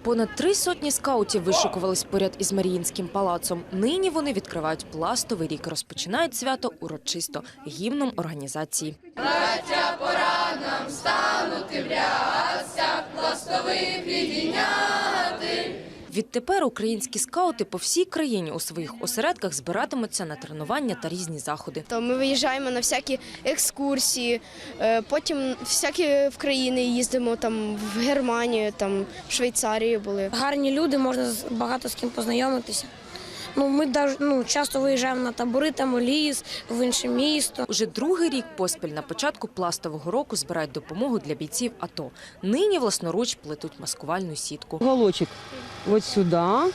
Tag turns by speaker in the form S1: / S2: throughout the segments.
S1: Понад 3 сотні скаутів вишикувались поряд із Маріїнським палацом. Нині вони відкривають пластовий рік. Розпочинають свято урочисто гімном організації.
S2: Браття, пора нам станути в рясях, пластових підійняти.
S1: Відтепер українські скаути по всій країні у своїх осередках збиратимуться на тренування та різні заходи.
S3: Ми виїжджаємо на всякі екскурсії, потім всякі в країни їздимо, там в Германію, там в Швейцарію були.
S4: Гарні люди, можна багато з ким познайомитися. Ми часто виїжджаємо на табори, там у ліс, в інше місто.
S1: Уже другий рік поспіль на початку пластового року збирають допомогу для бійців АТО. Нині власноруч плетуть маскувальну сітку.
S5: Уголочек вот сюда,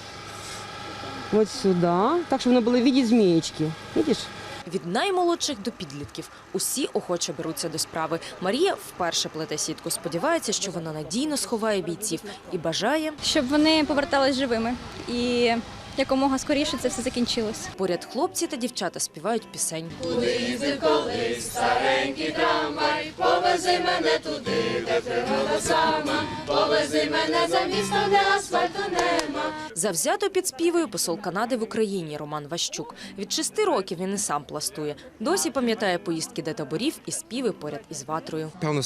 S5: так, щоб вони були в виді змієчки. Бачиш?
S1: Від наймолодших до підлітків усі охоче беруться до справи. Марія вперше плете сітку. Сподівається, що вона надійно сховає бійців і бажає,
S6: щоб вони повертались живими і якомога скоріше це все закінчилось.
S1: Поряд хлопці та дівчата співають пісень.
S2: Куди їздив колись старенький трамвай, повези мене туди, де природа сама, повези мене за місто, де асфальту нема.
S1: Завзято підспівує посол Канади в Україні Роман Ващук. Від 6 років він і сам пластує. Досі пам'ятає поїздки до таборів і співи поряд із ватрою.
S7: Певна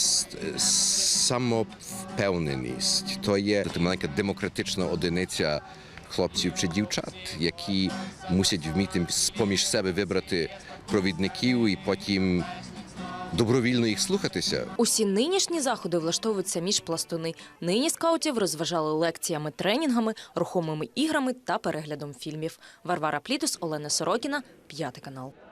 S7: самовпевненість. То є маленька демократична одиниця хлопців чи дівчат, які мусять вміти з-поміж себе вибрати провідників і потім добровільно їх слухатися.
S1: Усі нинішні заходи влаштовуються між пластуни. Нині скаутів розважали лекціями, тренінгами, рухомими іграми та переглядом фільмів. Варвара Плітус, Олена Сорокіна, 5 канал.